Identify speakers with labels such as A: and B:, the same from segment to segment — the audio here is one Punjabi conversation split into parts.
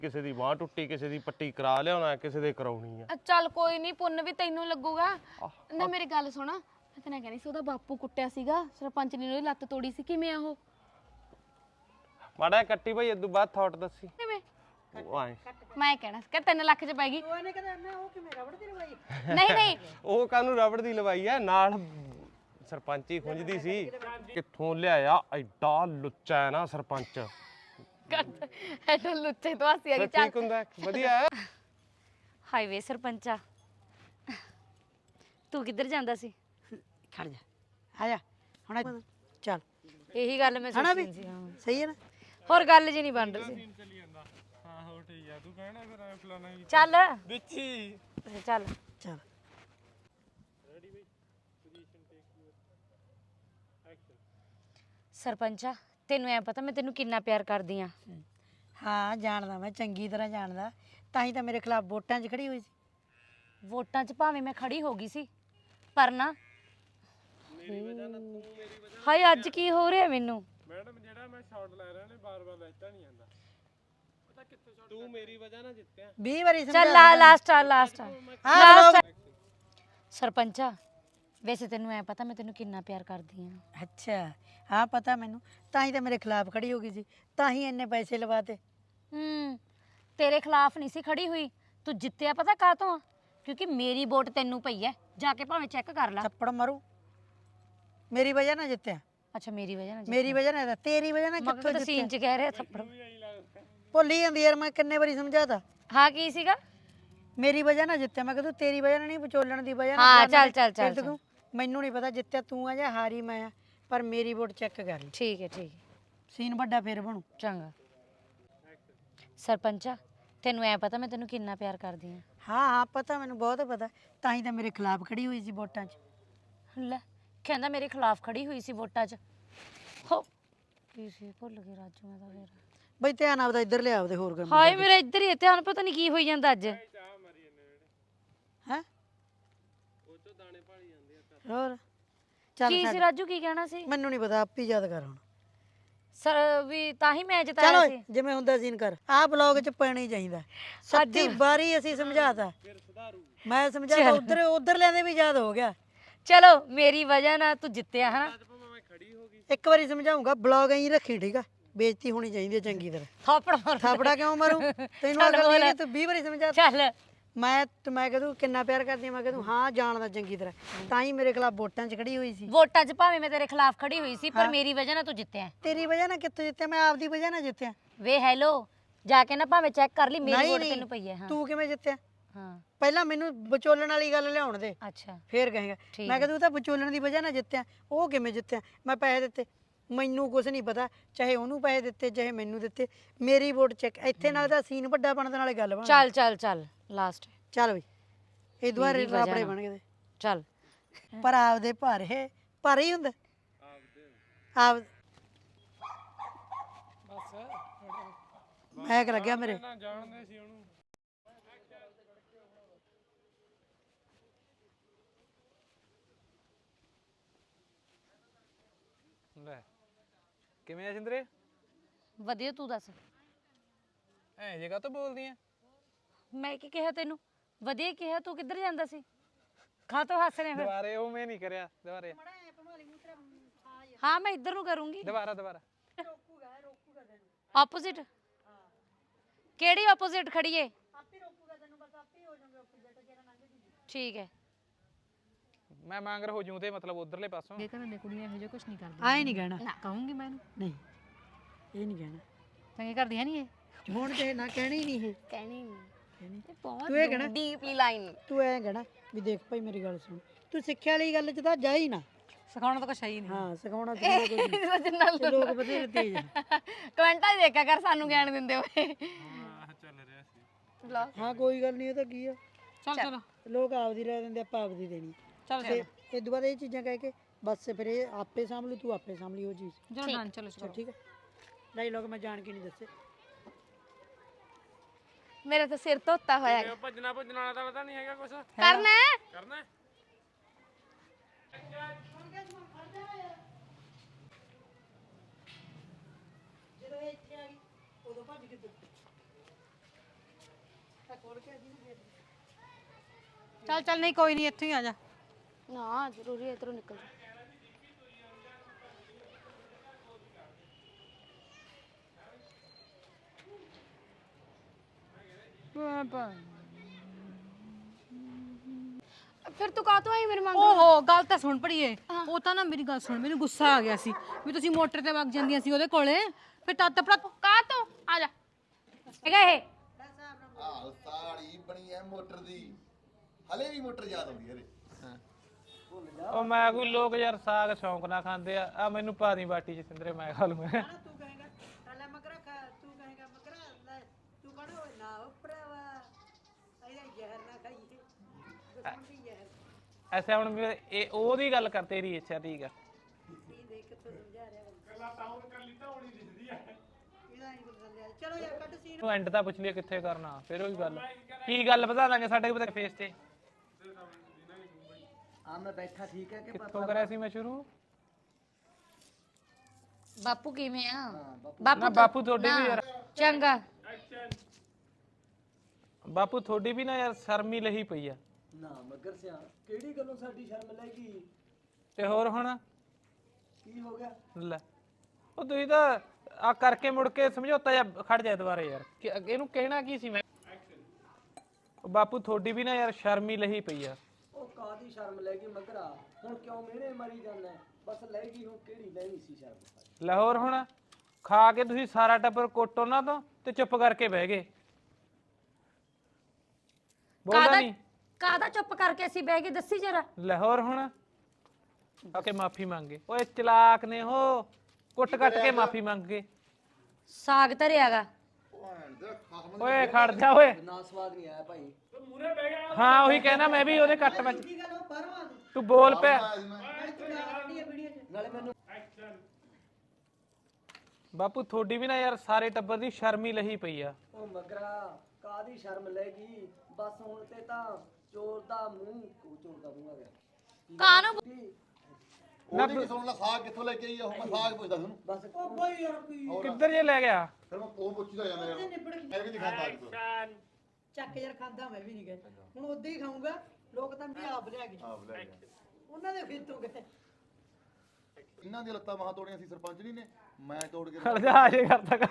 A: ਕਿਸੇ ਦੀ ਬਾਂਹ ਟੁੱਟੀ, ਕਿਸੇ ਦੀ ਪੱਟੀ ਕਰਾ ਲਿਆਉਣਾ, ਕਿਸੇ ਦੇ ਕਰਾਉਣੀ ਆ।
B: ਚੱਲ ਕੋਈ ਨਹੀਂ, ਪੁੰਨ ਵੀ ਤੈਨੂੰ ਲੱਗੂਗਾ ਨਾ। ਮੇਰੀ ਗੱਲ ਸੁਣ, ਮੈਂ ਤੈਨੂੰ ਕਹਿੰਦੀ ਸੀ ਉਹਦਾ ਬਾਪੂ ਕੁੱਟਿਆ ਸੀਗਾ ਸਰਪੰਚ ਨੇ, ਉਹਦੀ ਲੱਤ ਤੋੜੀ ਸੀ। ਕਿਵੇਂ ਆ ਉਹ?
A: ਮਾੜਾ ਕੱਟੀ ਭਾਈ, ਇਦੋਂ ਬਾਅਦ ਥਾਟ ਦੱਸੀ
B: ਕਿਵੇਂ?
A: ਉਹ ਆਏ
B: ਮੈਂ ਕਹਿਣਾ ਸੀ ਕਿ 3 ਲੱਖ ਚ ਪੈ ਗਈ।
C: ਉਹਨੇ ਕਹਿੰਦਾ ਨਾ ਉਹ ਕਿਵੇਂ ਰਬੜ ਦੀ ਲਵਾਈ?
B: ਨਹੀਂ ਨਹੀਂ,
A: ਉਹ ਕਾਹਨੂੰ ਰਬੜ ਦੀ ਲਵਾਈ ਆ, ਨਾਲ ਸਰਪੰਚੀ ਖੁੰਝਦੀ ਸੀ। ਕਿੱਥੋਂ ਲਿਆਇਆ ਐਡਾ ਲੁੱਚਾ ਹੈ ਨਾ ਸਰਪੰਚ।
B: ਐਡਾ ਲੁੱਚੇ ਤੋਂ ਹਾਸੀ ਆ ਗਈ।
A: ਠੀਕ ਹੁੰਦਾ, ਵਧੀਆ ਹੈ।
D: ਹਾਈਵੇ ਸਰਪੰਚਾ, ਤੂੰ ਕਿੱਧਰ ਜਾਂਦਾ ਸੀ?
C: ਖੜ ਜਾ, ਆ ਜਾ ਹੁਣ ਚੱਲ।
D: ਇਹੀ ਗੱਲ ਮੈਂ
C: ਹਨਾ ਵੀ
D: ਸੋਚੀ ਸੀ। ਹਾਂ,
C: ਸਹੀ ਹੈ ਨਾ?
D: ਹੋਰ ਗੱਲ ਜੀ ਨਹੀਂ ਬਣ ਰਹੀ ਸੀ।
A: ਹਾਂ ਹੋ ਠੀਕ ਆ, ਤੂੰ ਕਹਿਣਾ ਫਿਰ ਫਲਾਣਾ
D: ਚੱਲ
A: ਵਿੱਚੀ
D: ਚੱਲ
C: ਚੱਲ
D: ਸਰਪੰਚਾ, ਤੈਨੂੰ ਐ ਪਤਾ ਮੈਂ ਤੈਨੂੰ ਕਿੰਨਾ ਪਿਆਰ ਕਰਦੀ ਆ?
C: ਹਾਂ ਜਾਣਦਾ, ਮੈਂ ਚੰਗੀ ਤਰ੍ਹਾਂ ਜਾਣਦਾ, ਤਾਂ ਹੀ ਤਾਂ ਮੇਰੇ ਖਿਲਾਫ ਵੋਟਾਂ 'ਚ ਖੜੀ ਹੋਈ ਸੀ।
D: ਵੋਟਾਂ 'ਚ ਭਾਵੇਂ ਮੈਂ ਖੜੀ ਹੋ ਗਈ ਸੀ, ਪਰ ਨਾ ਹਾਏ ਅੱਜ ਕੀ ਹੋ ਰਿਹਾ ਮੈਨੂੰ?
A: ਮੈਡਮ ਜਿਹੜਾ ਮੈਂ ਸ਼ਾਟ ਲੈ ਰਿਹਾ ਨੇ ਬਾਰ-ਬਾਰ ਲੈਤਾ ਨਹੀਂ ਆਂਦਾ। ਪਤਾ ਕਿੱਥੇ ਸ਼ਾਟ? ਤੂੰ ਮੇਰੀ ਵਜ੍ਹਾ ਨਾਲ ਜਿੱਤਿਆ
C: 20 ਵਾਰੀ
D: ਚੱਲ ਲਾਸਟ ਸਰਪੰਚਾ, ਵੈਸੇ ਤੈਨੂੰ ਐ ਪਤਾ ਮੈਂ ਤੈਨੂੰ ਕਿੰਨਾ ਪਿਆਰ ਕਰਦੀ ਆ?
C: ਅੱਛਾ ਹਾਂ ਪਤਾ ਮੈਨੂੰ, ਤਾਂ ਹੀ ਤਾਂ ਮੇਰੇ ਖਿਲਾਫ ਖੜੀ ਹੋ ਗਈ ਸੀ, ਤਾਂ ਹੀ ਇੰਨੇ ਪੈਸੇ ਲਵਾਤੇ।
D: ਤੇਰੇ ਖਿਲਾਫ ਨਹੀਂ ਸੀ ਖੜੀ ਹੋਈ, ਤੂੰ ਜਿੱਤਿਆ ਪਤਾ ਕਾਹਤੋਂ ਆ? ਕਿਉਂਕਿ ਮੇਰੀ ਵੋਟ ਤੈਨੂੰ ਪਈ ਐ, ਜਾ ਕੇ ਭਾਵੇਂ ਚੈੱਕ ਕਰ ਲੈ।
C: ਥੱਪੜ ਮਾਰੂ, ਮੇਰੀ ਵਜ੍ਹਾ ਨਾਲ ਜਿੱਤਿਆ।
D: ਅੱਛਾ ਮੇਰੀ ਵਜ੍ਹਾ ਨਾਲ?
C: ਮੇਰੀ ਵਜ੍ਹਾ ਨਾਲ, ਤੇਰੀ ਵਜ੍ਹਾ ਨਾਲ ਕਿੱਥੋਂ
D: ਤਾਂ ਸੀਨ 'ਚ ਕਹਿ ਰਿਹਾ ਥੱਪੜ।
C: ਭੁੱਲੀ ਜਾਂਦੀ ਯਾਰ, ਮੈਂ ਕਿੰਨੇ ਵਾਰੀ ਸਮਝਾਤਾ।
D: ਹਾਂ ਕੀ ਸੀਗਾ?
C: ਮੇਰੀ ਵਜ੍ਹਾ ਨਾਲ ਜਿੱਤਿਆ, ਮੈਂ ਕਿਹਾ ਤੇਰੀ ਵਜ੍ਹਾ ਨਾਲ ਨਹੀਂ, ਵਿਚੋਲਣ ਦੀ ਵਜ੍ਹਾ
D: ਹਾਂ
C: ਨਾਲ।
D: ਚੱਲ
C: ਮੈਨੂੰ ਨਹੀਂ ਪਤਾ ਜਿੱਤਿਆ ਤੂੰ ਆ ਜਾਂ ਹਾਰੀ ਮੈਂ ਆ, ਪਰ ਮੇਰੀ ਵੋਟ ਚੈੱਕ ਕਰ ਲਈ।
D: ਠੀਕ ਹੈ
C: ਸੀਨ ਵੱਡਾ ਫੇਰ ਬਣੂ।
D: ਚੰਗਾ। ਸਰਪੰਚਾ, ਤੈਨੂੰ ਐ ਪਤਾ ਮੈਂ ਤੈਨੂੰ ਕਿੰਨਾ ਪਿਆਰ ਕਰਦੀ ਆ?
C: ਹਾਂ ਪਤਾ ਮੈਨੂੰ, ਬਹੁਤ ਪਤਾ, ਤਾਂ ਹੀ ਤਾਂ ਮੇਰੇ ਖਿਲਾਫ ਖੜੀ ਹੋਈ ਸੀ ਵੋਟਾਂ 'ਚ।
D: ਲੈ ਕਹਿੰਦਾ ਮੇਰੇ ਖਿਲਾਫ ਖੜੀ ਹੋਈ ਸੀ ਵੋਟਾਂ 'ਚ। ਹੋ ਕੀ ਸੀ, ਭੁੱਲ ਗਈ ਰਾਜੂ ਮੈਂ ਤਾਂ ਫੇਰ।
C: ਬਈ ਧਿਆਨ ਆਪਦਾ ਇੱਧਰ ਲਿਆ, ਆਪਦੇ ਹੋਰ ਕੰਮ।
D: ਹਾਏ ਮੇਰਾ ਇੱਧਰ ਹੀ ਧਿਆਨ, ਪਤਾ ਨਹੀਂ ਕੀ ਹੋਈ ਜਾਂਦਾ ਅੱਜ।
C: ਹੈ ਹੋਰ ਚੱਲ
D: ਕੀ ਸੀ ਰਾਜੂ, ਕੀ ਕਹਿਣਾ ਸੀ?
C: ਮੈਨੂੰ ਨਹੀਂ ਪਤਾ, ਆਪ ਹੀ ਯਾਦ ਕਰ ਹੁਣ।
D: ਸਰ ਵੀ ਤਾਂ ਹੀ ਮੈਂ ਜਿਤਾਇਆ
C: ਚਲੋ
D: ਸੀ।
C: ਜਿਵੇਂ ਹੁੰਦਾ ਸੀਨ ਕਰ, ਆਹ ਬਲੌਗ 'ਚ ਪੈਣਾ ਹੀ ਚਾਹੀਦਾ। 37 ਵਾਰੀ ਅਸੀਂ ਸਮਝਾਤਾ, ਮੈਂ ਸਮਝਾਤਾ, ਉਧਰ ਲੈਂਦੇ ਵੀ ਯਾਦ ਹੋ ਗਿਆ।
D: ਚਲੋ ਮੇਰੀ ਵਜ੍ਹਾ ਨਾਲ ਤੂੰ ਜਿੱਤਿਆ ਹਨਾ।
C: ਇੱਕ ਵਾਰੀ ਸਮਝਾਉਂਗਾ, ਬਲੌਗ ਐਂ ਰੱਖੀ, ਠੀਕ ਆ? ਬੇਇੱਜ਼ਤੀ ਹੋਣੀ ਚਾਹੀਦੀ ਹੈ ਚੰਗੀ ਤਰ੍ਹਾਂ।
D: ਥਾਪੜ ਮਾਰ।
C: ਥਾਪੜਾ ਕਿਉਂ ਮਾਰੂ? ਤੈਨੂੰ ਅਕਲ ਨਹੀਂ ਹੈਗੀ, ਤੂੰ 20 ਵਾਰੀ ਸਮਝਾਤਾ।
D: ਚੱਲ
C: ਮੈਂ ਕਹਦੂ ਕਿੰਨਾ ਪਿਆਰ ਕਰਦੀ ਆ, ਮੈਂ ਕਹਦੂ ਹਾਂ ਜਾਣਦਾ ਚੰਗੀ ਤਰ੍ਹਾਂ, ਤਾਂ ਹੀ ਮੇਰੇ ਖਿਲਾਫ ਵੋਟਾਂ 'ਚ ਖੜੀ ਹੋਈ ਸੀ।
D: ਵੋਟਾਂ 'ਚ ਭਾਵੇਂ ਮੈਂ ਤੇਰੇ ਖਿਲਾਫ ਖੜੀ ਹੋਈ ਸੀ, ਪਰ ਮੇਰੀ ਵਜ੍ਹਾ ਨਾਲ ਤੂੰ ਜਿੱਤਿਆ।
C: ਤੇਰੀ ਵਜ੍ਹਾ ਨਾਲ ਕਿੱਥੋਂ ਜਿੱਤਿਆ? ਮੈਂ ਆਪਦੀ ਵਜ੍ਹਾ ਨਾਲ ਜਿੱਤਿਆ।
D: ਵੇ ਹੈਲੋ, ਜਾ ਕੇ ਨਾ ਭਾਵੇਂ ਚੈੱਕ ਕਰ ਲਈ, ਮੇਰੀ ਵੋਟ ਤੈਨੂੰ ਪਈ ਹੈ। ਹਾਂ
C: ਤੂੰ ਕਿਵੇਂ ਜਿੱਤਿਆ?
D: ਹਾਂ
C: ਪਹਿਲਾਂ ਮੈਨੂੰ ਵਿਚੋਲਣ ਵਾਲੀ ਗੱਲ ਲਿਆਉਣ ਦੇ,
D: ਅੱਛਾ
C: ਫੇਰ ਕਹੇਗਾ। ਮੈਂ ਕਹਦੂ ਤਾਂ ਵਿਚੋਲਣ ਦੀ ਵਜ੍ਹਾ ਨਾਲ ਜਿੱਤਿਆ। ਉਹ ਕਿਵੇਂ ਜਿੱਤਿਆ? ਮੈਂ ਪੈਸੇ ਦਿੱਤੇ, ਮੈਨੂੰ ਕੁਝ ਨਹੀਂ ਪਤਾ, ਚਾਹੇ ਉਹਨੂੰ ਪੈਸੇ ਦਿੱਤੇ ਚਾਹੇ ਮੈਨੂੰ ਦਿੱਤੇ, ਮੇਰੀ ਵੋਟ ਚੈੱਕ। ਇੱਥੇ ਨਾਲ ਦਾ ਸੀਨ ਵੱਡਾ ਬਣਨ ਨਾਲੇ ਗੱਲ ਬਣ।
D: ਚੱਲ ਲਾਸਟ
C: ਚੱਲ ਬਈ, ਇਹ ਦੁਆਰੇ ਰਾਪੜੇ ਬਣ ਗਏ।
D: ਚੱਲ
C: ਪਰ ਆਪਦੇ ਭਰ ਹੀ ਹੁੰਦਾ ਆਪ। ਮੈਂ ਕਿ ਲੱਗਿਆ ਮੇਰੇ
A: ਜਾਣਦੇ ਸੀ ਉਹਨੂੰ। ਲੈ ਕਿਵੇਂ ਆ ਸਿੰਦਰੇ?
D: ਵਧੀਆ, ਤੂੰ ਦੱਸ।
A: ਐ ਜਗ੍ਹਾ ਤੋਂ ਬੋਲਦੀ ਆ?
D: ਮੈਂ ਕੀ ਕਿਹਾ ਤੈਨੂੰ? ਵਧੀਆ ਕਿਹਾ। ਤੂੰ ਕਿੱਧਰ ਜਾਂਦਾ ਸੀ? ਖਾਤੋਂ ਹੱਸ ਰਿਹਾ ਫਿਰ?
A: ਦੁਬਾਰੇ ਉਹ ਮੈਂ ਨਹੀਂ ਕਰਿਆ, ਦੁਬਾਰੇ।
D: ਹਾਂ ਮੈਂ ਇੱਧਰ ਨੂੰ ਕਰੂੰਗੀ।
A: ਦੁਬਾਰਾ
D: ਆਪੋਜ਼ਿਟ? ਕਿਹੜੀ ਆਪੋਜ਼ਿਟ ਖੜੀਏ? ਠੀਕ ਹੈ।
A: ਮੈਂ ਮੰਗਰ ਹੋ ਜੂ ਤੇ ਮਤਲਬ ਉਧਰਲੇ ਪਾਸੋਂ।
E: ਇਹ ਤਾਂ ਮੈਂ ਕੁੜੀਆਂ ਇਹੋ ਜਿਹਾ ਕੁਝ ਨਹੀਂ ਕਰਦੀ।
C: ਆਏ ਨਹੀਂ ਕਹਿਣਾ,
E: ਕਹੂੰਗੀ ਮੈਂ ਇਹਨੂੰ।
C: ਨਹੀਂ ਇਹ ਨਹੀਂ ਕਹਿਣਾ।
E: ਚੰਗੇ ਕਰਦੀ ਹੈ ਨਹੀਂ ਇਹ?
C: ਹੁਣ ਤੇ ਨਾ ਕਹਿਣੀ ਨਹੀਂ ਇਹ
B: ਕਹਿਣੀ ਨਹੀਂ, ਬਹੁਤ
C: ਤੂੰ ਇਹ ਕਹਿਣਾ,
B: ਡੀਪਲੀ ਲਾਈਨ।
C: ਤੂੰ ਐਂ ਕਹਿਣਾ ਵੀ ਦੇਖ ਭਾਈ ਮੇਰੀ ਗੱਲ ਸੁਣ, ਤੂੰ ਸਿੱਖਿਆ ਵਾਲੀ ਗੱਲ 'ਚ ਤਾਂ ਜਾ ਹੀ ਨਾ।
E: ਸਿਖਾਉਣਾ ਤਾਂ ਕੁਛ ਹੈ ਹੀ ਨਹੀਂ।
C: ਹਾਂ ਸਿਖਾਉਣਾ ਤੇ ਲੋਕ ਬਥੇਰੇ ਤੇਜ਼ ਆ।
B: ਕਮੈਂਟਾਂ 'ਚ ਦੇਖਿਆ ਕਰ, ਸਾਨੂੰ ਗਿਆਨ ਦਿੰਦੇ ਹੋਏ।
A: ਹਾਂ ਚੱਲ ਰਿਹਾ ਸੀ।
C: ਹਾਂ ਕੋਈ ਗੱਲ ਨਹੀਂ, ਇਹ ਤਾਂ ਕੀ ਆ,
E: ਚਲ
C: ਲੋਕ ਆਪਦੀ ਰਹਿ ਦਿੰਦੇ, ਆਪਾਂ ਆਪਦੀ ਦੇਣੀ।
E: ਚਲ
C: ਤੇ ਇਹ ਤੋਂ ਬਾਅਦ ਇਹ ਚੀਜ਼ਾਂ ਕਹਿ ਕੇ ਬਸ ਫਿਰ ਇਹ ਆਪੇ ਸਾਂਭ ਲੂ, ਤੂੰ ਆਪੇ ਸਾਂਭ ਲਈ ਉਹ ਚੀਜ਼।
E: ਚਲੋ ਡਨ, ਚਲੋ
C: ਠੀਕ ਹੈ। ਡਾਇਲੋਗ ਮੈਂ ਜਾਣ ਕੇ ਨਹੀਂ ਦੱਸੇ।
B: ਮੇਰਾ ਤਾਂ ਸਿਰ ਧੋਤਾ ਹੋਇਆ ਹੈ।
A: ਭੱਜਣਾ ਵਾਲਾ ਤਾਂ ਪਤਾ ਨਹੀਂ ਹੈਗਾ ਕੁਛ
B: ਕਰਨਾ ਹੈ?
A: ਕਰਨਾ।
C: ਜਦੋਂ ਇਹ ਇੱਥੇ ਆ ਗਈ ਉਦੋਂ ਭੱਜ ਕੇ
E: ਚੱਲ ਚੱਲ ਨਹੀਂ ਕੋਈ ਨਹੀਂ ਇੱਥੇ ਹੀ ਆ ਜਾ।
B: ਨਾ ਜ਼ਰੂਰੀ ਹੈ ਇਧਰੋਂ ਨਿਕਲ ਜਾ। ਫਿਰ ਤੂੰ ਕਾਹਤੋਂ ਆਈ ਮੇਰੇ ਮੰਗ
E: ਓਹੋ ਗੱਲ ਤਾਂ ਸੁਣ ਪੜੀਏ। ਉਹ ਤਾਂ ਨਾ ਮੇਰੀ ਗੱਲ ਸੁਣ, ਮੈਨੂੰ ਗੁੱਸਾ ਆ ਗਿਆ ਸੀ ਵੀ ਤੁਸੀਂ ਮੋਟਰ ਤੇ ਵਗ ਜਾਂਦੀਆਂ ਸੀ ਉਹਦੇ ਕੋਲੇ, ਫਿਰ ਤਦ ਤਪੜਾ
B: ਕਾਹਤੋਂ ਆ ਜਾ।
D: ਹੈਗਾ ਇਹ
F: ਆਹ ਸਾੜੀ ਬਣੀ ਐ ਮੋਟਰ ਦੀ, ਹਲੇ ਵੀ ਮੋਟਰ ਯਾਦ ਆਉਂਦੀ ਹੈ ਰੇ।
G: ਉਹ ਮੈਂ ਕੋਈ ਲੋਕ ਯਾਰ ਸਾਗ ਸ਼ੌਂਕ ਨਾਲ ਖਾਂਦੇ ਆ ਮੈਨੂੰ ਪਾ ਦੀ ਬਾਟੀ ਚ ਸਿੰਦਰੇ ਮੈਂ ਖਾ ਲੂ ਮੈਂ
C: ਤੂੰ ਕਹੇਗਾ ਲੈ ਮਗਰਾ ਖਾ, ਤੂੰ ਕਹੇਗਾ ਮਗਰਾ ਲੈ, ਤੂੰ ਕਹਣਾ ਓਏ ਨਾ ਉਪਰਾਵਾ ਇਹਦਾ ਜ਼ਹਿਰ ਨਾ ਖਾਈਏ, ਦੁਸ਼ਮਣ ਦੀ ਜ਼ਹਿਰ।
G: ਐਸੇ ਹੁਣ ਇਹ ਉਹਦੀ ਗੱਲ ਕਰ, ਤੇਰੀ ਇੱਛਾ ਠੀਕ ਆ।
C: ਕੀ ਦੇਖ ਕਿੱਥੋਂ ਸਮਝਾ ਰਿਹਾ ਬੰਦਾ। ਗੱਲਾਂ ਤਾਂ ਉਹ ਕੱਲੀ ਤਾਂ ਹੋਣੀ ਦਿਸਦੀ ਐ। ਇਹਦਾ ਨਹੀਂ ਬਦਲ ਲਿਆ। ਚਲੋ ਯਾਰ ਕੱਢ ਸੀਨ।
G: ਤੂੰ ਐਂਡ ਤਾਂ ਪੁੱਛ ਲਿਆ ਕਿੱਥੇ ਕਰਨਾ, ਫਿਰ ਉਹੀ ਗੱਲ ਕੀ ਗੱਲ ਵਧਾ ਦਾਂਗੇ ਸਾਡੇ ਪਤਾ ਫੇਸ ਤੇ।
H: ਆ ਮੈਂ ਬੈਠਾ ਠੀਕ ਹੈ ਕਿ
G: ਕਿੱਥੋਂ ਕਰਿਆ ਸੀ ਮੈਂ ਸ਼ੁਰੂ?
D: ਬਾਪੂ ਕਿਵੇਂ ਆ?
G: ਨਾ ਬਾਪੂ ਤੁਹਾਡੀ ਵੀ ਯਾਰ,
D: ਚੰਗਾ
G: ਬਾਪੂ ਤੁਹਾਡੀ ਵੀ ਨਾ ਯਾਰ ਸ਼ਰਮੀ ਲਹੀ ਪਈ ਆ।
H: ਨਾ ਮਗਰ ਸਿਆ ਕਿਹੜੀ ਗੱਲੋਂ ਸਾਡੀ ਸ਼ਰਮ ਲੱਗੀ?
G: ਤੇ ਹੋਰ ਹੁਣ
H: ਕੀ ਹੋ ਗਿਆ?
G: ਲੈ ਉਹ ਤੁਸੀਂ ਤਾਂ ਆ ਕਰਕੇ ਮੁੜ ਕੇ ਸਮਝੌਤਾ ਜਾਂ ਖੜ ਜਾ ਦੁਬਾਰੇ ਯਾਰ, ਇਹਨੂੰ ਕਹਿਣਾ ਕੀ ਸੀ ਮੈਂ? ਉਹ ਬਾਪੂ ਤੁਹਾਡੀ ਵੀ ਨਾ ਯਾਰ ਸ਼ਰਮੀ ਲਹੀ ਪਈ ਆ।
H: ਉਹ ਕਾਦੀ ਸ਼ਰਮ ਲੱਗੀ ਮਗਰਾ? ਹੁਣ ਕਿਉਂ ਮਿਹਣੇ ਮਰੀ ਜਾਂਦਾ? ਬਸ ਲੈ ਗਈ ਹੁਣ, ਕਿਹੜੀ ਲੈਣੀ ਸੀ ਸ਼ਰਮ?
G: ਲਾਹੌਰ ਹੁਣ ਖਾ ਕੇ ਤੁਸੀਂ ਸਾਰਾ ਟੱਬਰ ਕੁੱਟ ਉਹਨਾਂ ਤੋਂ ਤੇ ਚੁੱਪ ਕਰਕੇ ਬਹਿ ਗਏ। ਬੋਲਦਾ ਨਹੀਂ
D: ਕਾਹਦਾ ਚੁੱਪ ਕਰਕੇ ਅਸੀਂ ਬਹਿ ਕੇ ਦੱਸੀ ਜਰਾ।
G: ਲਾਹੌਰ ਹੁਣ ਆ ਕੇ ਮਾਫੀ ਮੰਗੇ। ਓਏ ਚਲਾਕ ਨੇ ਉਹ, ਕੁੱਟ ਕੱਟ ਕੇ ਮਾਫੀ ਮੰਗ ਗਏ।
D: ਸਾਗ ਧਰਿਆਗਾ।
G: ਓਏ ਖੜ ਜਾ ਓਏ।
H: ਨਾ ਸਵਾਦ ਨਹੀਂ ਆਇਆ ਭਾਈ।
G: ਹਾਂ ਉਹੀ ਕਹਿਣਾ ਮੈਂ ਵੀ ਉਹਦੇ ਕੱਟ ਵਿੱਚ। ਤੂੰ ਬੋਲ ਪਿਆ
H: ਨਾਲੇ ਮੈਨੂੰ
G: ਬਾਪੂ ਤੁਹਾਡੀ ਵੀ ਨਾ ਯਾਰ ਸਾਰੇ ਟੱਬਰ ਦੀ ਸ਼ਰਮੀ ਲਹੀ ਪਈ ਆ।
H: ਉਹ ਮਗਰਾ ਕਾਦੀ ਸ਼ਰਮ ਲੱਗੀ? ਬਸ ਹੁਣ ਤੇ ਤਾਂ ਚੋਰ ਦਾ ਮੂੰਹ, ਚੋਰ ਦਾ ਮੂੰਹ ਆ ਗਿਆ।
D: ਕਾਨੂੰ
F: ਉਹਦੀ ਕੀ ਸੁਣ ਲੈ, ਸਾਗ ਕਿੱਥੋਂ ਲੈ ਕੇ ਆਈ ਆ ਉਹ? ਮੈਂ ਸਾਗ ਪੁੱਛਦਾ ਤੁਹਾਨੂੰ।
H: ਬਸ ਉਹ ਭਾਈ ਯਾਰ ਕੀ
G: ਕਿੱਧਰ ਜੇ ਲੈ ਗਿਆ?
F: ਫਿਰ ਮੈਂ ਉਹ ਪੁੱਛਦਾ ਜਾਂਦਾ ਯਾਰ, ਮੈਂ ਵੀ ਨਹੀਂ ਖਾਂਦਾ ਅੱਜ ਤੋਂ।
C: ਚੱਕ ਯਾਰ ਖਾਂਦਾ ਮੈਂ ਵੀ ਨਹੀਂ ਗਏ, ਹੁਣ ਉਦਾਂ ਹੀ ਖਾਊਂਗਾ। ਲੋਕ ਤਾਂ ਵੀ ਆਪ ਲਿਆ ਗਏ,
F: ਆਪ ਲੈ ਗਿਆ।
C: ਉਹਨਾਂ ਦੇ ਖੇਤੋਂ ਗਏ।
F: ਇਹਨਾਂ ਦੀਆਂ ਲੱਤਾਂ ਬਾਹਾਂ ਤੋੜੀਆਂ ਸੀ ਸਰਪੰਚ ਜੀ ਨੇ, ਮੈਂ ਤੋੜ ਕੇ
G: ਖੜ ਜਾ ਆਜੇ ਕਰਦਾ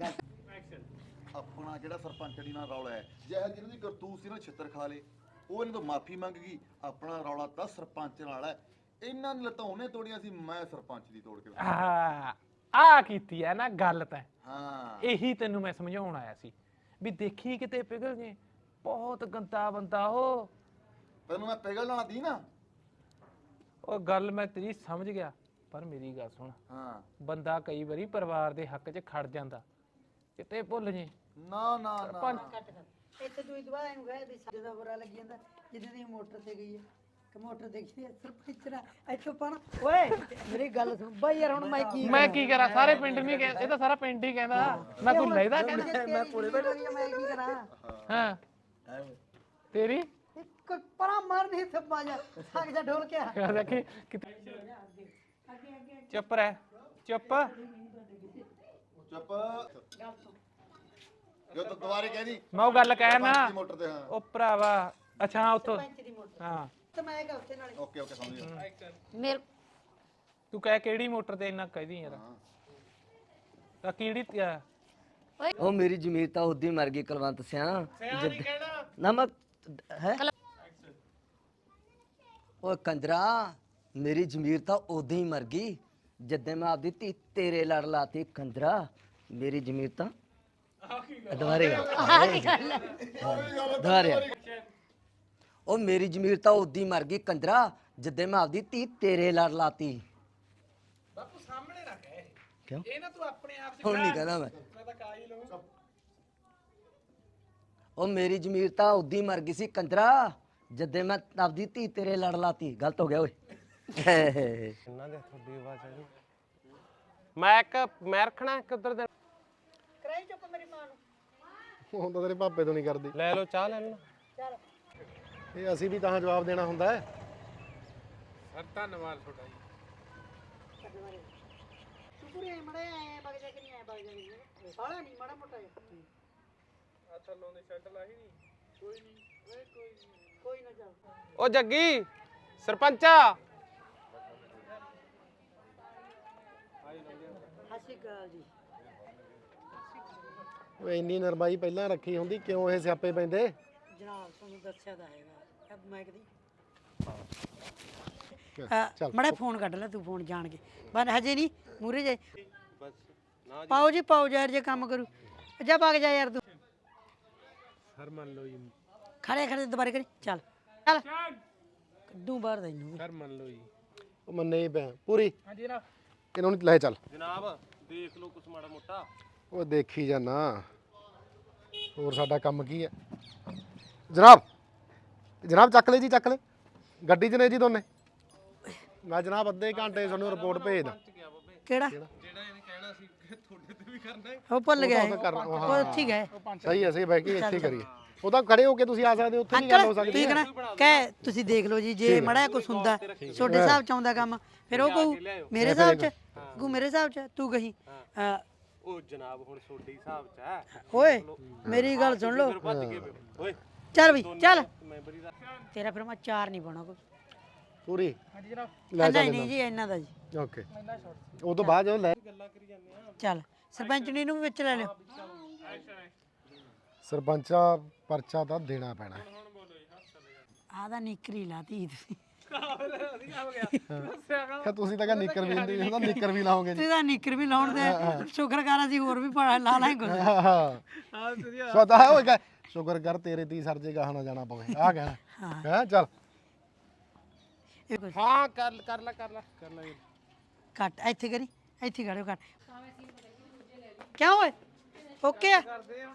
F: ਆਪਣਾ ਜਿਹੜਾ ਸਰਪੰਚੜੀ ਨਾਲ ਰੌਲਾ ਹੈ, ਜਿਹੋ ਜਿਹਨਾਂ ਦੀ ਕਰਤੂਤ ਸੀ ਨਾ ਛਿੱਤਰ ਖਾ ਲੇ, ਉਹ ਇਹਨਾਂ ਤੋਂ ਮਾਫੀ ਮੰਗ ਗਈ। ਆਪਣਾ ਰੌਲਾ ਤਾਂ ਸਰਪੰਚ ਨਾਲ ਹੈ। ਇਹਨਾਂ ਨੇ ਲੱਤਾਂ ਉਹਨੇ ਤੋੜੀਆਂ ਸੀ, ਮੈਂ ਸਰਪੰਚ ਦੀ ਤੋੜ ਕੇ
G: ਆ ਕੀਤੀ ਹੈ ਨਾ ਗੱਲ ਤਾਂ।
F: ਹਾਂ
G: ਇਹੀ ਤੈਨੂੰ ਮੈਂ ਸਮਝਾਉਣ ਆਇਆ ਸੀ ਵੀ ਦੇਖੀ ਕਿਤੇ ਪਿਘਲ ਜੇ। ਬਹੁਤ ਗੰਦਾ ਬੰਦਾ ਉਹ।
F: ਤੈਨੂੰ ਮੈਂ ਪਿਘਲਣਾ ਦੀ ਨਾ।
G: ਉਹ ਗੱਲ ਮੈਂ ਤੇਰੀ ਸਮਝ ਗਿਆ, ਪਰ ਮੇਰੀ ਗੱਲ ਸੁਣ।
F: ਹਾਂ
G: ਬੰਦਾ ਕਈ ਵਾਰੀ ਪਰਿਵਾਰ ਦੇ ਹੱਕ 'ਚ ਖੜ ਜਾਂਦਾ, ਕਿਤੇ ਭੁੱਲ ਜੇ।
F: ਨਾ ਨਾ ਨਾ
C: ਇੱਥੇ ਤੂੰ ਦੁਬਾਰਾ ਇਹਨੂੰ ਕਹੇ ਵੀ ਸਾਡੇ ਦਾ ਬੁਰਾ ਲੱਗੀ ਜਾਂਦਾ ਜਿੱਦਾਂ ਦੀ ਮੋਟਰ ਤੇ ਗਈ ਹੈ ਕਿ ਮੋਟਰ ਦੇਖੀ ਸਰਪੰਚ ਨਾ ਇੱਥੋਂ ਪਾਣਾ। ਓਏ ਮੇਰੀ ਗੱਲ ਸੁਣ ਬਾਈ ਯਾਰ, ਹੁਣ
G: ਮੈਂ ਕੀ ਕਰਾਂ? ਸਾਰੇ ਪਿੰਡ ਨਹੀਂ ਕਹਿੰਦੇ, ਇਹ ਤਾਂ ਸਾਰਾ ਪਿੰਡ ਹੀ ਕਹਿੰਦਾ। ਮੈਂ ਕੋਈ ਲੈਦਾ ਕਹਿੰਦਾ?
C: ਮੈਂ ਕੋਲੇ ਬੈਠਾ ਮੈਂ ਕੀ ਕਰਾਂ?
G: ਹਾਂ ਤੇਰੀ
C: ਇੱਕ ਪਰਾਂ ਮਾਰ ਨਹੀਂ ਥੱਪਾ ਜਾ ਥੱਕ ਜਾ ਢੋਲ ਕੇ ਆ।
G: ਦੇਖੀ ਕਿਤੇ ਚੁੱਪ ਰਹਿ, ਚੁੱਪ।
F: ਚੁੱਪ। ਜੋ ਤੂੰ ਦੁਬਾਰੇ ਕਹਿਦੀ
G: ਮੈਂ ਉਹ ਗੱਲ ਕਹਿ ਨਾ।
F: ਮੋਟਰ ਤੇ। ਹਾਂ
G: ਉਹ ਭਰਾਵਾ ਅੱਛਾ ਹਾਂ ਉੱਥੋਂ
C: ਸਰਪੰਚ ਦੀ ਮੋਟਰ
G: ਹਾਂ
C: ਤੇ ਮੈਂ ਕਹਾਂ ਉੱਥੇ ਨਾਲੇ
F: ਓਕੇ ਓਕੇ ਸਮਝ ਗਿਆ।
D: ਮੇਰੇ
G: ਤੂੰ ਕਹਿ ਕਿਹੜੀ ਮੋਟਰ ਤੇ ਇੰਨਾ ਕਹਿਦੀ ਯਾਰ? ਤਾਂ ਕਿਹੜੀ
H: ਉਹ ਮੇਰੀ ਜ਼ਮੀਰ ਤਾਂ ਉਦੀ ਮਰ ਗਈ ਕੁਲਵੰਤ ਸਿਆ। ਨਾ ਮੈਂ ਹੈ ਉਹ ਕੰਜਰਾ, ਮੇਰੀ ਜ਼ਮੀਰ ਤਾਂ ਉਦੋਂ ਹੀ ਮਰ ਗਈ ਜਦੋਂ ਮੈਂ ਆਪਦੀ ਧੀ ਤੇਰੇ ਲੜ ਲਾਤੀ। ਕੰਜਰਾ ਮੇਰੀ ਜ਼ਮੀਰ ਤਾਂ ਦੁਬਾਰੇ ਦੁਬਾਰੇ ਉਹ ਮੇਰੀ ਜ਼ਮੀਰ ਤਾਂ ਉਦੋਂ ਹੀ ਮਰ ਗਈ ਕੰਜਰਾ ਜਦੋਂ ਮੈਂ ਆਪਦੀ ਧੀ ਤੇਰੇ ਲੜ ਲਾਤੀ।
G: ਬਾਪੂ ਸਾਹਮਣੇ ਨਾ ਕਹਿ
H: ਕਿਉਂ?
G: ਇਹ ਨਾ ਤੂੰ ਆਪਣੇ ਆਪ 'ਚ
H: ਹੁਣ ਨਹੀਂ ਕਹਿੰਦਾ ਮੈਂ
G: ਤਾਂ ਕਾ ਹੀ ਲਊਂ।
H: ਉਹ ਮੇਰੀ ਜ਼ਮੀਰ ਤਾਂ ਉਦੋਂ ਹੀ ਮਰ ਗਈ ਸੀ ਕੰਜਰਾ ਜਦੋਂ ਮੈਂ ਆਪਦੀ ਧੀ ਤੇਰੇ ਲੜ ਲਾਤੀ। ਗਲਤ ਹੋ ਗਿਆ ਓਏ।
A: ਇਹਨਾਂ ਦੇ ਤੁਹਾਡੀ ਆਵਾਜ਼ ਆ ਜੀ। ਮੈਂ ਰੱਖਣਾ ਇੱਕ ਉੱਧਰ ਦੇ।
C: ਕਰਾਈ ਚੁੱਪ ਮੇਰੀ ਮਾਂ ਨੂੰ।
I: ਹੁਣ ਤਾਂ ਤੇਰੇ ਭਾਪੇ ਤੋਂ ਨਹੀਂ ਕਰਦੀ।
A: ਲੈ ਲਓ ਚਾਹ ਲੈ ਲਓ।
C: ਚੱਲ
I: ਇਹ ਅਸੀਂ ਵੀ ਤਾਂ ਜਵਾਬ ਦੇਣਾ ਹੁੰਦਾ ਹੈ।
G: ਸਰ ਧੰਨਵਾਦ ਤੁਹਾਡਾ ਜੀ।
C: ਤੂੰ ਪੂਰੇ ਮੜੇ ਆਏ ਬਗ ਜਾ ਕੇ ਨਹੀਂ ਆਏ ਬਗ ਜਾ ਸਾਲਾ ਨਹੀਂ ਮਾੜਾ ਮੋਟਾ ਜਿਹਾ।
A: ਉਹ ਜੱਗੀ ਸਰਪੰਚਾ
C: ਸਤਿ ਸ਼੍ਰੀ ਅਕਾਲ ਜੀ।
I: ਓਏ ਇੰਨੀ ਨਰਮਾਈ ਪਹਿਲਾਂ ਰੱਖੀ ਹੁੰਦੀ ਕਿਉਂ ਇਹ ਸਿਆਪੇ ਪੈਂਦੇ?
C: ਜਨਾਬ ਤੁਹਾਨੂੰ ਦੱਸਿਆ ਤਾਂ ਹੈਗਾ ਮੈਂ ਕਦੀ
I: ਚੱਲ
C: ਮੜਾ ਫੋਨ ਕੱਢ ਲੈ ਤੂੰ ਫੋਨ ਜਾਣ ਕੇ ਬਸ ਹਜੇ ਨਹੀਂ ਮੂਰੇ ਜੇ
A: ਬਸ ਨਾ
C: ਪਾਓ ਜੀ ਪਾਓ ਯਾਰ ਜੇ ਕੰਮ ਕਰੂ ਜਾ ਭਾਗ ਜਾ ਯਾਰ ਤੂੰ
A: ਸਰ ਮੰਨ ਲਓ ਜੀ
C: ਖੜੇ ਖੜੇ ਦੁਬਾਰੇ ਕਰੀ ਚੱਲ ਚੱਲ ਕੱਢੂ ਬਾਹਰ ਤੈਨੂੰ
A: ਸਰ ਮੰਨ ਲਓ ਜੀ
I: ਉਹ ਮੰਨੇ ਹੀ ਪਿਆ ਪੂਰੀ
G: ਹਾਂਜੀ ਜਨਾਬ
I: ਇਹਨਾਂ ਨੂੰ ਲੈ ਚੱਲ।
A: ਜਨਾਬ ਦੇਖ ਲਓ ਕੁਛ ਮਾੜਾ ਮੋਟਾ
I: ਉਹ ਦੇਖੀ ਜਾਨਾ ਹੋਰ ਸਾਡਾ ਕੰਮ ਕੀ ਹੈ ਜਨਾਬ। ਜਨਾਬ ਚੱਕ ਲੈ ਜੀ ਚੱਕ ਲੈ ਗੱਡੀ 'ਚ ਨੇ ਜੀ ਦੋਨੇ। ਮੈਂ ਜਨਾਬ ਅੱਧੇ ਘੰਟੇ ਤੁਹਾਨੂੰ ਰਿਪੋਰਟ ਭੇਜਦਾ।
C: ਕਿਹੜਾ
A: ਜਿਹੜਾ ਇਹਨੇ ਕਹਿਣਾ ਸੀ ਕਿ ਤੁਹਾਡੇ ਤੇ ਵੀ ਕਰਨਾ ਹੈ
C: ਉਹ ਭੁੱਲ ਗਿਆ
I: ਉਹ ਤਾਂ ਕਰਨਾ, ਉਹ
C: ਉਹ ਉੱਥੇ ਗਏ
I: ਸਹੀ ਹੈ ਸਹੀ ਬਹਿ ਕੇ ਇੱਥੇ ਕਰੀਏ। ਉਹ ਤਾਂ ਖੜੇ ਹੋ ਕੇ ਤੁਸੀਂ ਆ ਸਕਦੇ ਹੋ, ਉੱਥੇ ਨਹੀਂ ਗੱਲ ਹੋ
C: ਅੰਕਲ
I: ਸਕਦੀ।
C: ਤੁਸੀਂ ਕਹਣਾ ਕਹਿ ਤੁਸੀਂ ਦੇਖ ਲਓ ਜੀ ਜੇ ਮੜਾ ਕੁਛ ਹੁੰਦਾ ਤੁਹਾਡੇ ਹਿਸਾਬ ਚ ਆਉਂਦਾ ਕੰਮ ਫਿਰ ਉਹ ਕਹੂ ਮੇਰੇ ਹਿਸਾਬ ਚ ਕਹੂ ਮੇਰੇ ਹਿਸਾਬ ਚ ਤੂੰ ਕਹੀ
A: ਉਹ ਜਨਾਬ ਹੁਣ ਤੁਹਾਡੇ ਹਿਸਾਬ ਚ ਹੈ
C: ਓਏ ਮੇਰੀ ਗੱਲ ਸੁਣ ਲਓ
A: ਭੱਜ ਕੇ ਓਏ
C: ਚੱਲ ਬਈ ਚੱਲ
A: ਮੈਂਬਰੀ ਦਾ
C: ਤੇਰਾ ਫਿਰ ਮੈਂ ਚਾਰ ਨਹੀਂ ਪਾਉਣਾ ਕੋਈ
I: ਪੂਰੀ
G: ਹਾਂਜੀ ਜਨਾਬ
I: ਲੈ
C: ਨਹੀਂ ਨਹੀਂ ਜੀ ਇਹਨਾਂ ਦਾ ਜੀ
I: ਓਕੇ ਉਹ ਤੋਂ ਬਾਅਦ ਜਦੋਂ ਲੈ
C: ਚੱਲ ਸਰਪੰਚਣੀ ਨੂੰ ਵੀ ਵਿੱਚ ਲੈ ਲਿਓ
I: ਸਰਪੰਚਾ ਪਰਚਾ ਤਾਂ ਦੇਣਾ ਪੈਣਾ।
C: ਆਦਾ ਨਿਕਰੀ ਲਾਤੀ ਤੁਸੀਂ
I: ਕਿ ਤੁਸੀਂ ਤਾਂ ਕਹ ਨਿੱਕਰ ਵੀ ਨਹੀਂ ਹੁੰਦਾ, ਨਿੱਕਰ ਵੀ ਲਾਓਗੇ ਜੀ।
C: ਤੁਸੀਂ ਤਾਂ ਨਿਕਰ ਵੀ ਲਾਉਣ ਦੇ ਸ਼ੁਕਰ ਕਰ ਅਸੀਂ ਹੋਰ ਵੀ ਲਾ ਲਾਂ ਕੁਝ
I: ਹਾਂ ਸਦਾ ਹੋਏ ਕਹ ਸ਼ੁਕਰ ਕਰ ਤੇਰੇ ਤੀ ਸਰ ਜੇ ਗਾਹ ਨਾ ਜਾਣਾ ਪਵੇ ਆ ਕਹਿਣਾ ਹੈ। ਚੱਲ
A: ਹਾਂ ਕਰ ਲੈ
C: ਕੱਟ ਇੱਥੇ ਕਰੀ ਇੱਥੇ ਖੜਿਓ ਕੱਟ ਕਿਉਂ ਓਏ ਓਕੇ ਆ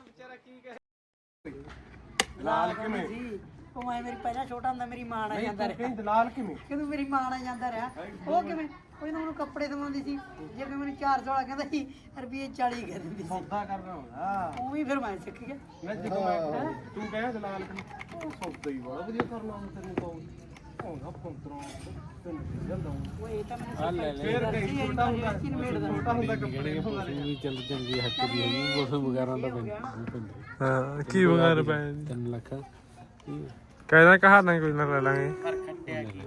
C: ਲਾਲ ਕਿਵੇਂ ਸੀ ਉਹ ਮੈਂ ਮੇਰੀ ਪਹਿਲਾਂ ਛੋਟਾ ਹੁੰਦਾ ਮੇਰੀ ਮਾਂ ਨਾਲ ਜਾਂਦਾ ਰਿਹਾ
A: ਦਲਾਲ ਕਿਵੇਂ
C: ਕਿਉਂ ਮੇਰੀ ਮਾਂ ਨਾਲ ਜਾਂਦਾ ਰਿਹਾ ਉਹ ਕਿਵੇਂ ਉਹ ਮੈਨੂੰ ਕੱਪੜੇ ਦਵਾਉਂਦੀ ਸੀ ਜੇ ਕੋਈ ਮੈਨੂੰ 400 ਵਾਲਾ ਕਹਿੰਦਾ ਸੀ ਰੁਪਏ 40 ਕਹਿ ਦਿੰਦੀ ਸੀ
A: ਸੌਦਾ ਕਰਨਾ ਹੁੰਦਾ
C: ਉਹ ਵੀ ਫਿਰ ਮੈਂ ਸਿੱਖ ਗਿਆ
A: ਮੈਂ ਜਦੋਂ ਮੈਂ ਤੂੰ ਕਹਿ ਦਲਾਲ ਕਿਵੇਂ ਉਹ ਸੌਦਾ ਹੀ ਬੜਾ ਵਧੀਆ ਕਰਨਾ ਹੁੰਦਾ ਤੈਨੂੰ ਤਾਂ ਉਹਦਾ 15 ਤੈਨੂੰ ਜਾਂਦਾ
C: ਉਹ ਇਹ ਤਾਂ ਮੈਨੂੰ ਫਿਰ ਕਹੀ ਛੋਟਾ
A: ਹੁੰਦਾ ਕੱਪੜੇ
J: ਚੱਲ ਚੰਗੀ ਹੱਕ ਦੀ ਹੈਗੀ ਉਸ ਵਗੈਰਾ ਦਾ
K: ਹਾਂ ਕੀ ਵਗਾਰ ਪੈ
J: 3 ਲੱਖ
K: ਕਹਿੰਦਾ ਕਹਾਣਾ ਕੋਈ ਨਾ ਲੈ ਲਾਂਗੇ
A: ਪਰ ਖੱਟਿਆ ਕੀ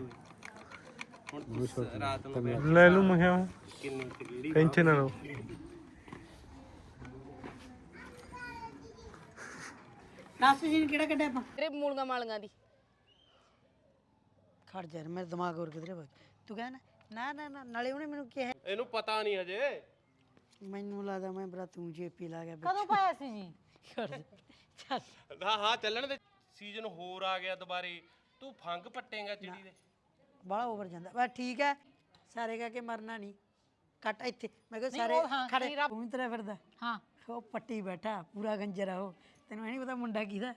A: ਹੁਣ ਰਾਤ ਨੂੰ
K: ਲੈ ਲੂ ਮੈਂ ਕਿਹਾ
A: ਕਿੰਨੀ ਕਿਹੜੀ
K: ਟੈਨਸ਼ਨ ਨਾ ਲਓ
C: ਲਾਸਟ ਸੀਨ ਕਿਹੜਾ ਕੱਢਿਆ ਆਪਾਂ
B: ਤੇਰੇ ਮੂਲੀਆਂ ਮਾਲੀਆਂ ਦੀ
C: ਖੜ ਜਾ ਮੇਰੇ ਦਿਮਾਗ ਹੋਰ ਕਿਧਰੇ ਵਗ ਤੂੰ ਕਹਿ ਨਾ ਨਾਲੇ ਉਹਨੇ ਮੈਨੂੰ ਕਿਹਾ
A: ਇਹਨੂੰ ਪਤਾ ਨਹੀਂ ਹਜੇ
C: ਮੈਨੂੰ ਲੱਗਦਾ ਮੈਂ ਬਰਾ ਤੂੰ ਜੇਪੀ ਲਾ ਗਿਆ
E: ਕਦੋਂ ਪਾਇਆ ਸੀ ਜੀ
C: ਚੱਲ
A: ਹਾਂ ਚੱਲਣ ਦੇ ਸੀਜ਼ਨ ਹੋਰ ਆ ਗਿਆ ਦੁਬਾਰੇ ਤੂੰ ਫੰਗ ਪੱਟੇਗਾ ਚਿੜੀ ਦੇ
C: ਬੜਾ ਓਵਰ ਜਾਂਦਾ ਬਸ ਠੀਕ ਹੈ ਸਾਰੇ ਕਹਿ ਕੇ ਮਰਨਾ ਨਹੀਂ ਕੱਟ ਇੱਥੇ ਮੈਂ ਕਿਹਾ ਸਾਰੇ ਖੜੇ ਤੂੰ ਵੀ ਤੇਰਾ ਫਿਰਦਾ
E: ਹਾਂ
C: ਉਹ ਪੱਟੀ ਬੈਠਾ ਪੂਰਾ ਗੰਜਰ ਆ ਉਹ ਤੈਨੂੰ ਇਹ ਨਹੀਂ ਪਤਾ ਮੁੰਡਾ ਕਿਹਦਾ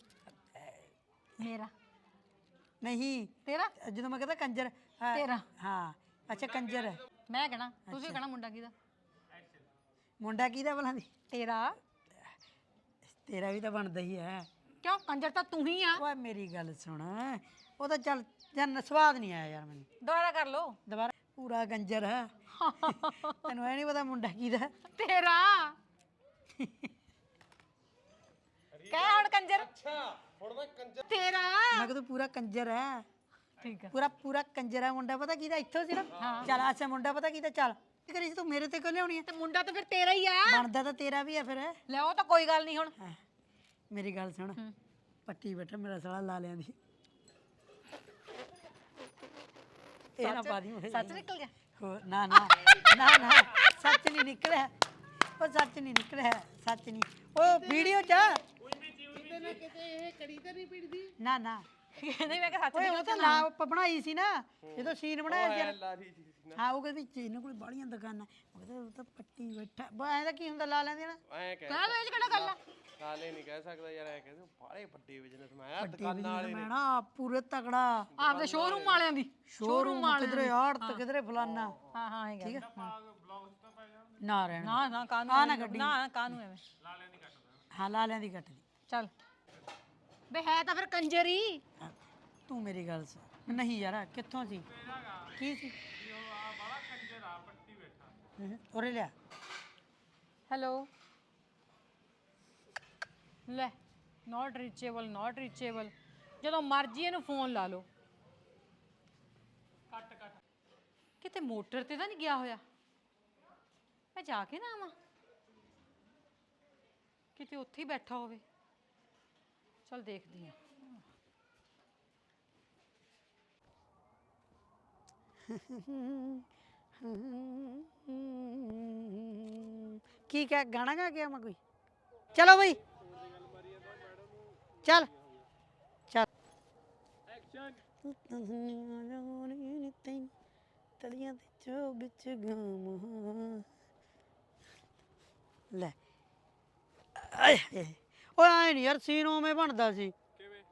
E: ਮੇਰਾ
C: ਨਹੀਂ
E: ਤੇਰਾ
C: ਜਦੋਂ ਮੈਂ ਕਹਿੰਦਾ ਕੰਜਰ
E: ਤੇਰਾ
C: ਹਾਂ ਅੱਛਾ ਕੰਜਰ
E: ਮੈਂ ਕਹਣਾ ਤੁਸੀਂ ਕਹਣਾ ਮੁੰਡਾ ਕਿਹਦਾ
C: ਮੁੰਡਾ ਕਿਹਦਾ ਭਲਾ ਦੀ
E: ਤੇਰਾ
C: ਤੇਰਾ ਵੀ ਤਾਂ ਬਣਦਾ ਹੀ ਹੈ
E: ਕਿਉਂ ਕੰਜਰ ਤਾਂ ਤੂੰ ਹੀ ਆ
C: ਓਏ ਮੇਰੀ ਗੱਲ ਸੁਣ ਉਹ ਤਾਂ ਚੱਲ ਜਨ ਸਵਾਦ ਨਹੀਂ ਆਇਆ ਯਾਰ ਮੈਨੂੰ
E: ਦੁਬਾਰਾ ਕਰ ਲੋ
C: ਦੁਬਾਰਾ ਪੂਰਾ ਗੰਜਰ ਹੈ ਤੈਨੂੰ ਇਹ ਨਹੀਂ ਪਤਾ ਮੁੰਡਾ ਕਿਹਦਾ
E: ਤੇਰਾ ਕਹਿ ਹੁਣ ਕੰਜਰ
A: ਹੁਣ ਮੈਂ ਕੰਜਰ
E: ਤੇਰਾ
C: ਮੈਂ ਕਿਹਾ ਤੂੰ ਪੂਰਾ ਕੰਜਰ ਹੈ
E: ਠੀਕ ਹੈ
C: ਪੂਰਾ ਕੰਜਰ ਹੈ ਮੁੰਡਾ ਪਤਾ ਕਿਹਦਾ ਇੱਥੋਂ ਸਿਰਫ ਚੱਲ ਅੱਛਾ ਮੁੰਡਾ ਪਤਾ ਕਿਹਦਾ ਚੱਲ ਕੀ ਕਰੀ ਸੀ ਤੂੰ ਮੇਰੇ ਤੇ ਕਿਉਂ ਲਿਆਉਣੀ ਹੈ
E: ਤੇ ਮੁੰਡਾ ਤਾਂ ਫਿਰ ਤੇਰਾ ਹੀ ਆ
C: ਬਣਦਾ ਤਾਂ ਤੇਰਾ ਵੀ ਹੈ ਫਿਰ
E: ਲੈ ਉਹ ਤਾਂ ਕੋਈ ਗੱਲ ਨਹੀਂ ਹੁਣ
C: ਮੇਰੀ ਗੱਲ ਸੁਣ ਪੱਟੀ ਬੈਠਾ ਮੇਰਾ ਸਾਲਾ ਲਾ ਲਿਆਂ ਦੀ ਇਹ ਨਾ ਪਾ ਦੀ
E: ਸੱਚ ਨਿਕਲ ਗਿਆ
C: ਹੋ ਨਾ ਸੱਚ ਨਹੀਂ ਨਿਕਲਿਆ ਉਹ ਸੱਚ ਨਹੀਂ ਨਿਕਲਿਆ ਸੱਚ ਨਹੀਂ ਉਹ ਵੀਡੀਓ ਚ ਨਾ
E: ਕਹਿੰਦੇ ਮੈਂ ਕਿ ਸੱਚ
C: ਓਏ ਉਹ ਤਾਂ ਲਾ ਬਣਾਈ ਸੀ ਨਾ ਜਦੋਂ ਸੀਨ ਬਣਾਇਆ ਸੀ
A: ਲਾਰੀ ਜੀ ਸੀ
C: ਹਾਂ ਉਹ ਕਹਿੰਦੀ ਵਿੱਚ ਇਹਨਾਂ ਕੋਲ ਬਾੜੀਆਂ ਦੁਕਾਨਾਂ ਉਹ ਕਹਿੰਦਾ ਉਹ ਤਾਂ ਪੱਟੀ ਬੈਠਾ ਐਂ ਦਾ ਕੀ ਹੁੰਦਾ ਲਾ ਲੈਂਦੇ ਨਾ
A: ਐਂ ਕਹਿ
E: ਕਹਿ ਦੋ ਇਹ 'ਚ ਕਿਹੜਾ ਗੱਲ ਆ
A: ਕਾਲੇ ਨਹੀਂ ਕਹਿ ਸਕਦਾ ਯਾਰ ਐ ਕਹਿੰਦੇ ਬਾਲੇ ਵੱਡੇ ਬਿਜ਼ਨਸ ਮੈਂ ਆ
C: ਪੱਟੀ
A: ਦੁਕਾਨਾਂ ਵਾਲੇ
C: ਮੈਂ ਨਾ ਪੂਰੇ ਤਕੜਾ
E: ਆਪਦੇ ਸ਼ੋਰੂਮ ਵਾਲਿਆਂ ਦੀ
C: ਸ਼ੋਰੂਮ ਕਿਧਰੇ ਆੜਤ ਕਿਧਰੇ ਫਲਾਨਾ
E: ਹਾਂ ਇਹ
C: ਠੀਕ ਹੈ ਨਾ ਰਹਿਣਾ
E: ਨਾ ਕਾਨੂੰ
C: ਆ ਨਾ ਗੱਡੀ
E: ਨਾ ਕਾਨੂੰ ਐਵੇਂ
C: ਹਾਂ ਲਾਲਿਆਂ ਦੀ ਕੱਟ ਦੀ
E: ਚੱਲ ਬੇ ਹੈ ਤਾਂ ਫਿਰ ਕੰਜਰ ਹੀ
C: ਤੂੰ ਮੇਰੀ ਗੱਲ ਸੁਣ ਨਹੀਂ ਯਾਰ ਕਿੱਥੋਂ ਸੀ ਕੀ ਸੀ ਉਰੇ ਲਿਆ
E: ਹੈਲੋ ਲੈ ਨਾਟ ਰੀਚੇਬਲ ਜਦੋਂ ਮਰਜੀ ਇਹਨੂੰ ਫੋਨ ਲਾ ਲਓ। ਕਿਤੇ ਮੋਟਰ ਤੇ ਤਾਂ ਨਹੀਂ ਗਿਆ ਹੋਇਆ? ਮੈਂ ਜਾ ਕੇ ਨਾ ਆਵਾਂ, ਕਿਤੇ ਉੱਥੇ ਹੀ ਬੈਠਾ ਹੋਵੇ। ਚਲ ਦੇਖਦੀ ਆ।
C: ਕੀ ਕਹਿ ਗਾਣਾ ਗਾ ਕੇ ਆਵਾਂ ਕੋਈ? ਚਲੋ ਬਈ ਚੱਲ ਚੱਲ ਤਲੀਆਂ ਤੇ ਚੋਗ ਚ ਗਾਵਾਂ ਲੈ। ਓਏ ਆਏ ਨਹੀਂ ਯਾਰ, ਸੀਨ ਉਵੇਂ ਬਣਦਾ ਸੀ।